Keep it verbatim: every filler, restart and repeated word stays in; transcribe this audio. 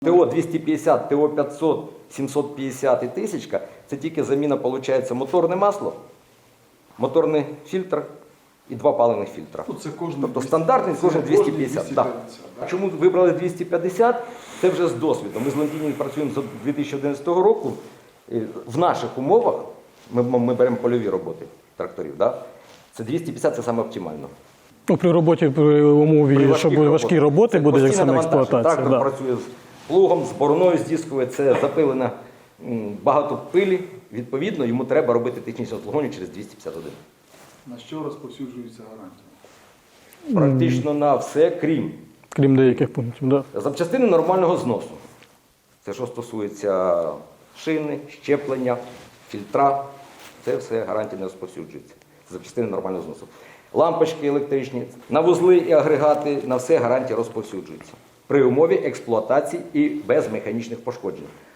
ТО двісті п'ятдесят, ТО п'ятсот, сімсот п'ятдесят і тисяча – це тільки заміна, виходить, моторне масло, моторний фільтр і два паливних фільтра. Ну, це кожен Тобто двісті- стандартний це кожен двісті кожен п'ятдесят. двісті Да. п'ятдесят, да. Чому вибрали двісті п'ятдесят? Це вже з досвідом. Ми з Лондіні працюємо з дві тисячі одинадцятого року. І в наших умовах, ми, ми беремо польові роботи тракторів, да? Це двісті п'ятдесят – це саме оптимально. Ну, при роботі, при умові, При що важких буде важкі роботах. роботи, Це буде як постійне саме навантаження. експлуатація. Трактор Да. працює з плугом, з бороною, з дискою, це запилено м, багато пилі. Відповідно, йому треба робити технічне обслуговування через двісті п'ятдесят один. На що розповсюджується гарантія? Практично на все, крім Крім деяких пунктів. Да. запчастини нормального зносу. Це що стосується шини, щеплення, фільтра, це все гарантія не розповсюджується. Це запчастини нормального зносу. Лампочки електричні, на вузли і агрегати, на все гарантія розповсюджується. При умові експлуатації і без механічних пошкоджень.